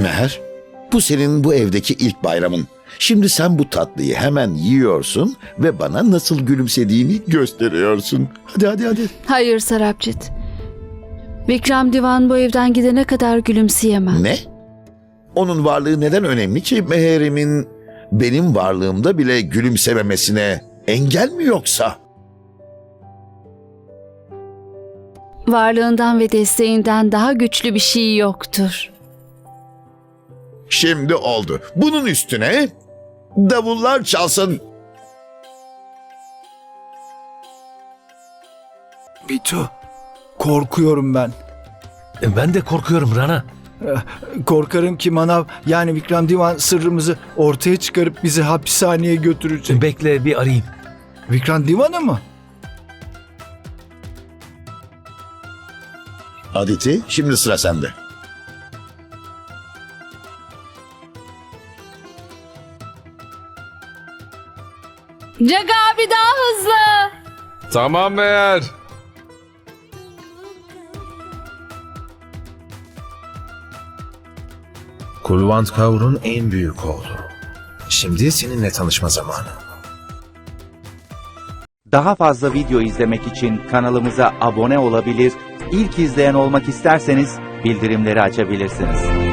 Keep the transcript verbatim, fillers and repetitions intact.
Meher, bu senin bu evdeki ilk bayramın. Şimdi sen bu tatlıyı hemen yiyorsun ve bana nasıl gülümsediğini gösteriyorsun. Hadi hadi hadi. Hayır Sarabjit. Vikram Divan bu evden gidene kadar gülümseyemem. Ne? Onun varlığı neden önemli ki Meher'imin benim varlığımda bile gülümsememesine engel mi yoksa? Varlığından ve desteğinden daha güçlü bir şey yoktur. Şimdi oldu. Bunun üstüne davullar çalsın. Bitu, korkuyorum ben. E, Ben de korkuyorum Rana. Korkarım ki Manav yani Vikram Divan sırrımızı ortaya çıkarıp bizi hapishaneye götürecek. Bekle bir arayayım. Vikram Divan'ı mı? Aditi, şimdi sıra sende. Caga abi daha hızlı. Tamam Meğer. Kulvant Kaur'un en büyük oğlu. Şimdi seninle tanışma zamanı. Daha fazla video izlemek için kanalımıza abone olabilir, ilk izleyen olmak isterseniz bildirimleri açabilirsiniz.